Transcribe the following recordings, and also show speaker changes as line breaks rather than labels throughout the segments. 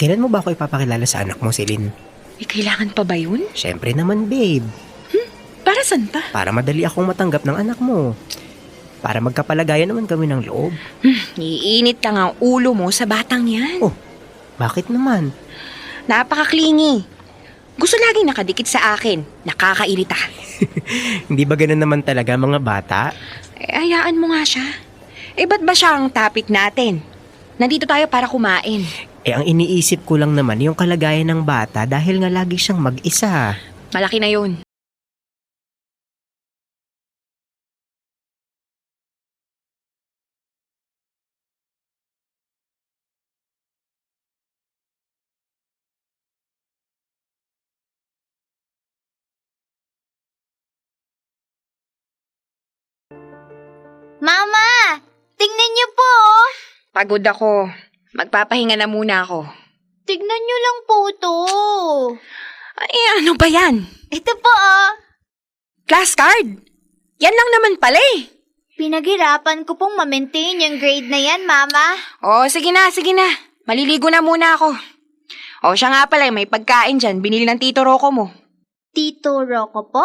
Kailan mo ba ako ipapakilala sa anak mo, Celine?
Kailangan pa ba yun?
Siyempre naman, babe.
Para saan pa?
Para madali akong matanggap ng anak mo. Para magkapalagayan naman kami ng loob.
Iinit lang ang ulo mo sa batang yan.
Oh, bakit naman?
Napaka-clingy. Gusto laging nakadikit sa akin. Nakakairita.
Hindi ba ganun naman talaga mga bata?
Hayaan mo nga siya. Ba't ba siya ang topic natin? Nandito tayo para kumain.
Ang iniisip ko lang naman yung kalagayan ng bata dahil nga lagi siyang mag-isa.
Malaki na yun.
Mama! Tingnan niyo po! Oh.
Pagod ako. Magpapahinga na muna ako.
Tignan niyo lang po to.
Ano ba yan?
Ito po oh.
Class card? Yan lang naman pala eh.
Pinaghirapan ko pong ma-maintain yung grade na yan, Mama.
Sige na. Maliligo na muna ako. Siya nga pala, may pagkain dyan. Binili ng Tito Rocco mo.
Tito Rocco po?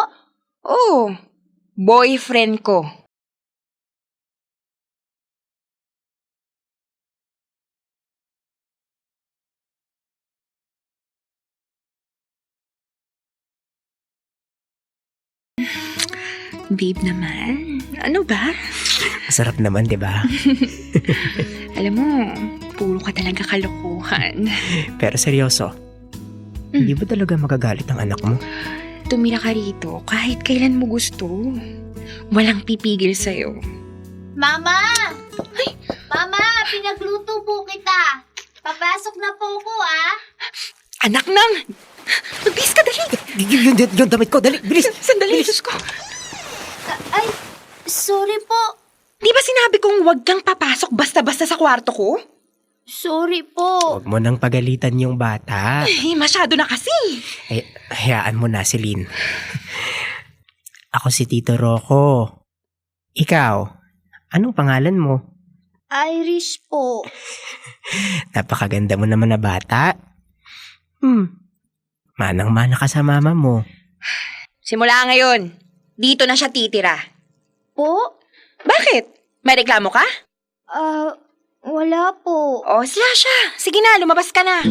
Boyfriend ko. Babe naman, ano ba?
Masarap naman, di ba?
Alam mo, puro ka talaga kalokohan.
Pero seryoso, hindi ba talaga magagalit ang anak mo?
Tumira ka rito kahit kailan mo gusto. Walang pipigil sa'yo.
Mama! Ay! Mama, pinagluto po kita. Papasok na po ko, ah.
Anak nang! Magbihis ka, dali!
Yung damit ko, dali, bilis!
Sandali, Diyos ko.
Ay, sorry po.
Di ba sinabi kong huwag kang papasok basta-basta sa kwarto ko?
Sorry po.
Huwag mo nang pagalitan yung bata.
Masyado na kasi.
Hayaan mo na, Celine. Ako si Tito Rocco. Ikaw, anong pangalan mo?
Irish po.
Napakaganda mo naman na bata. Manang-mana ka sa mama mo.
Simula ngayon, dito na siya titira.
Po?
Bakit? May reklamo ka?
Wala po.
Sila siya. Sige na, lumabas ka na.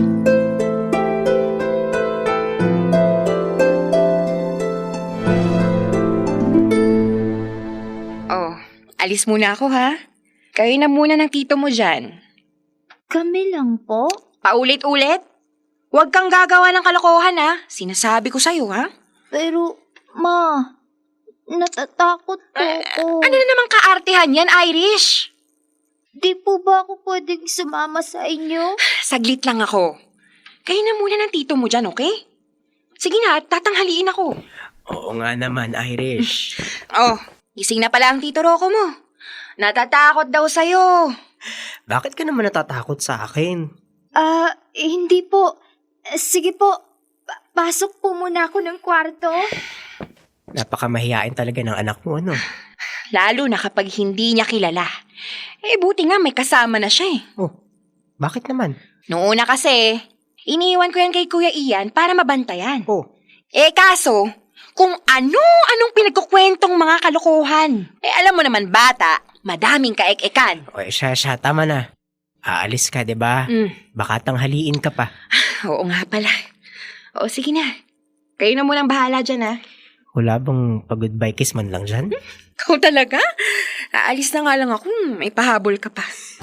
Alis muna ako ha. Kayo na muna ng tito mo dyan.
Kami lang po?
Paulit-ulit? Huwag kang gagawa ng kalokohan ha. Sinasabi ko sa'yo ha.
Pero, Ma, natatakot po ako.
Ano na naman kaartehan yan, Irish?
Di po ba ako pwedeng sumama sa inyo?
Saglit lang ako. Kayo na muna ng tito mo dyan, okay? Sige na, tatanghaliin ako.
Oo nga naman, Irish.
Gising na pala ang Tito Rocco mo. Natatakot daw sa'yo.
Bakit ka naman natatakot sa akin?
Hindi po. Sige po, pasok po muna ako ng kwarto.
Napakamahiyain talaga ng anak mo, ano?
Lalo na kapag hindi niya kilala. Buti nga may kasama na siya eh.
Bakit naman?
Noong una kasi, iniiwan ko yan kay Kuya Ian para mabantayan. Kaso, kung anong pinagkukwentong mga kalokohan. Alam mo naman bata, madaming kaek-ekan.
Siya, tama na. Aalis ka, diba? Baka tanghaliin ka pa.
Oo nga pala. Sige na. Kayo na munang bahala dyan ha.
Wala bang pag-goodbye kiss man lang dyan?
Ikaw talaga? Aalis na nga lang ako. May pahabol ka pa.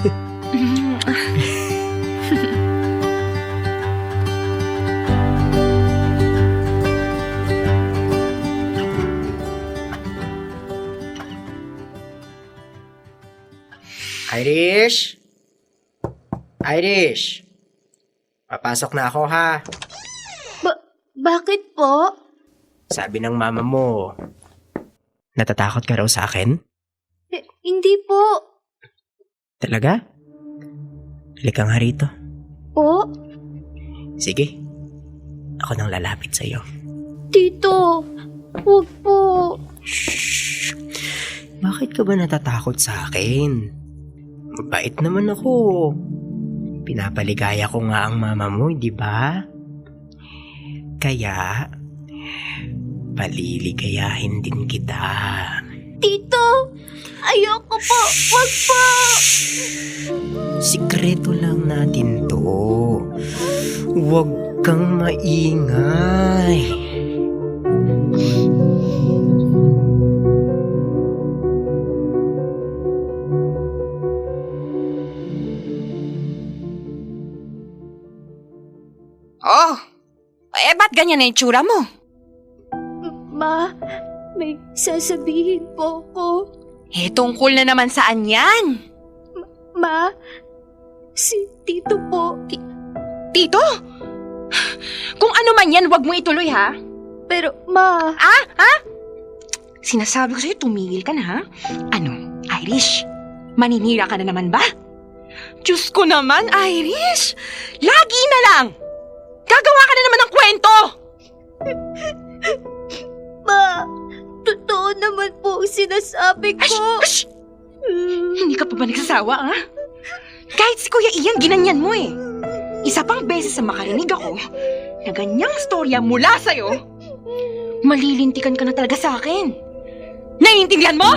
Irish? Irish? Papasok na ako ha.
Bakit po?
Sabi ng mama mo, natatakot ka raw sa akin?
Hindi po.
Talaga? Halika nga rito.
Po?
Sige, ako nang lalapit sa'yo.
Tito, huwag po.
Shhh! Bakit ka ba natatakot sa akin? Mabait naman ako. Pinapaligaya ko nga ang mama mo, di ba? Kaya, paliligayahin din kita.
Tito, ayoko po. Wag po.
Sikreto lang natin to. Huwag kang maingay.
Oh, ba't ganyan na yung tsura mo?
Ma, may sasabihin po ko.
Tungkol na naman saan yan?
Ma, si Tito po.
Tito? Kung ano man yan, wag mo ituloy, ha?
Pero, Ma...
Sinasabi ko sa'yo, tumigil ka na, ha? Ano, Irish? Maninira ka na naman ba? Diyos ko naman, Irish! Lagi na lang! Gagawa ka na naman ng kwento!
Ma, totoo naman po ang sinasabi ko.
Ash! Hindi ka pa ba nagsasawa, ha? Kahit si Kuya Ian, ginanyan mo eh. Isa pang beses na makarinig ako na ganyang storya mula sa'yo, malilintikan ka na talaga sa akin. Naiintindihan mo?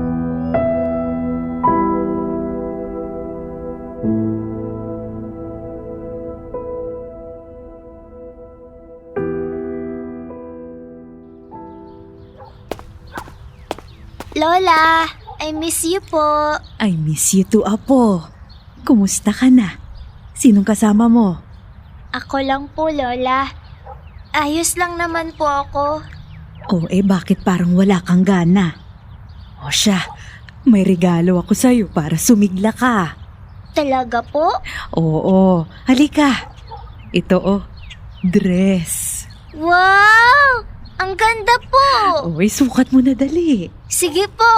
Lola, I miss you po.
I miss you too, Apo. Kumusta ka na? Sinong kasama mo?
Ako lang po, Lola. Ayos lang naman po ako.
Bakit parang wala kang gana? O siya, may regalo ako sa'yo para sumigla ka.
Talaga po?
Oo, halika. Ito dress.
Wow! Ang ganda po!
Sukat mo na dali.
Sige po.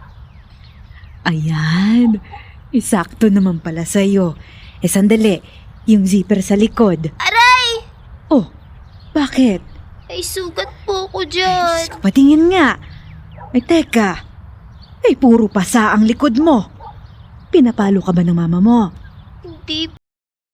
Ayan, isakto naman pala sa'yo. Sandali, yung zipper sa likod.
Aray!
Bakit?
Ay, sugat po ko dyan.
Patingin nga. Teka. Puro pasa ang likod mo. Pinapalo ka ba ng mama mo?
Hindi po.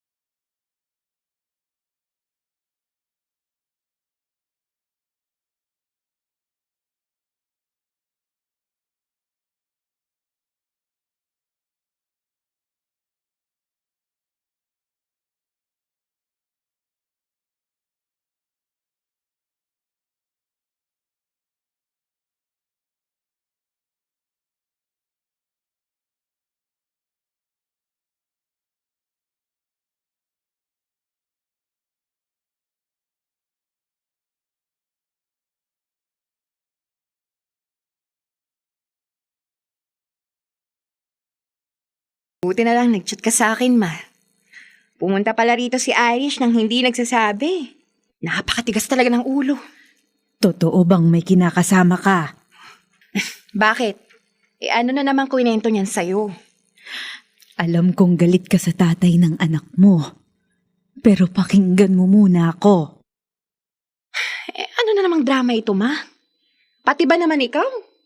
Buti na lang nag-chat ka sa akin, Ma. Pumunta pala rito si Irish nang hindi nagsasabi. Napakatigas talaga ng ulo.
Totoo bang may kinakasama ka?
Bakit? Ano na naman kwento niyan sa'yo?
Alam kong galit ka sa tatay ng anak mo. Pero pakinggan mo muna ako.
Ano na namang drama ito, Ma? Pati ba naman ikaw?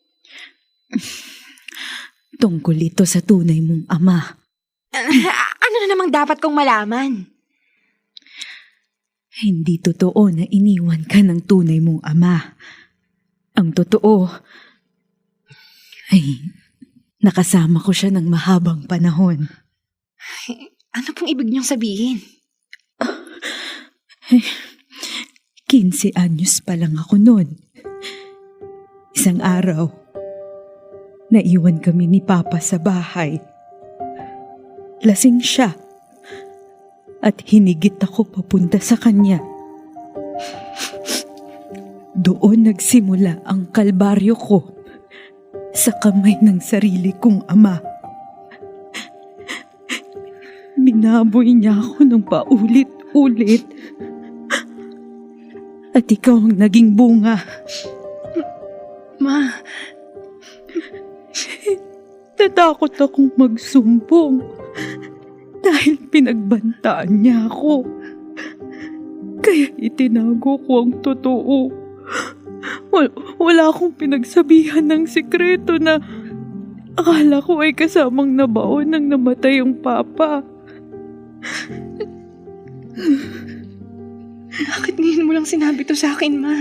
Tungkol ito sa tunay mong ama.
Ano na namang dapat kong malaman?
Hindi totoo na iniwan ka ng tunay mong ama. Ang totoo ay nakasama ko siya ng mahabang panahon.
Ano pong ibig niyong sabihin?
15 anyos pa lang ako noon. Isang araw, naiwan kami ni Papa sa bahay. Lasing siya at hinigit ako papunta sa kanya. Doon nagsimula ang kalbaryo ko sa kamay ng sarili kong ama. Binaboy niya ako ng paulit-ulit. At ikaw ang naging bunga.
Ma,
Natakot akong magsumbong dahil pinagbantaan niya ako. Kaya itinago ko ang totoo. Wala akong pinagsabihan ng sikreto na akala ko ay kasamang nabaon ng namatay ang papa.
Bakit ngayon mo lang sinabi to sa akin, Ma?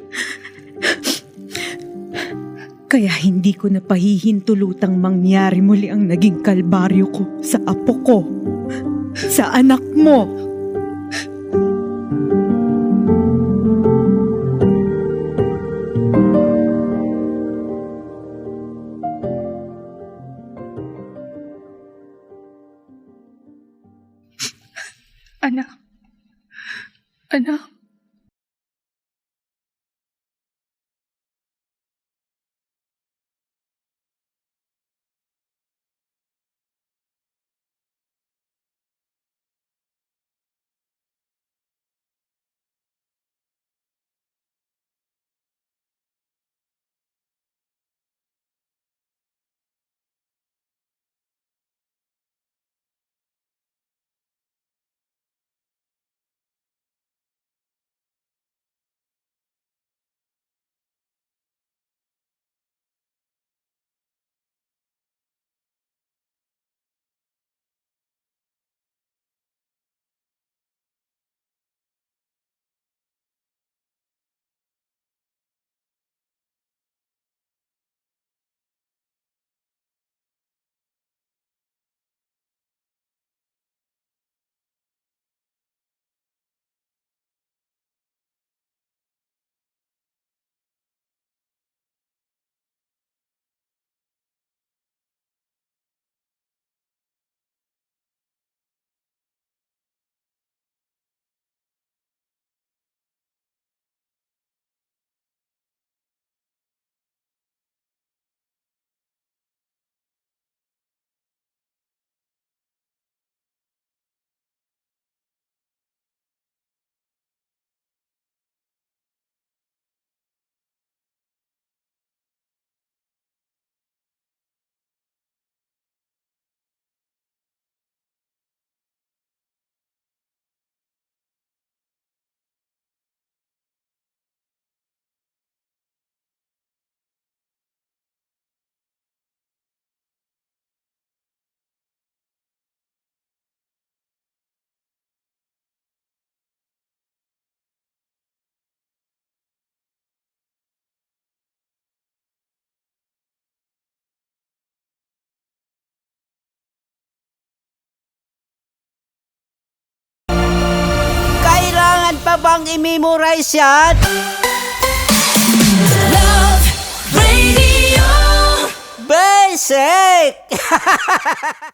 Kaya hindi ko na pahihintulutang mangyari muli ang naging kalbaryo ko sa apo ko, sa anak mo.
Anak. Anak.
Kailangan pa bang i-memorize yan?
Love Radio.
Basic!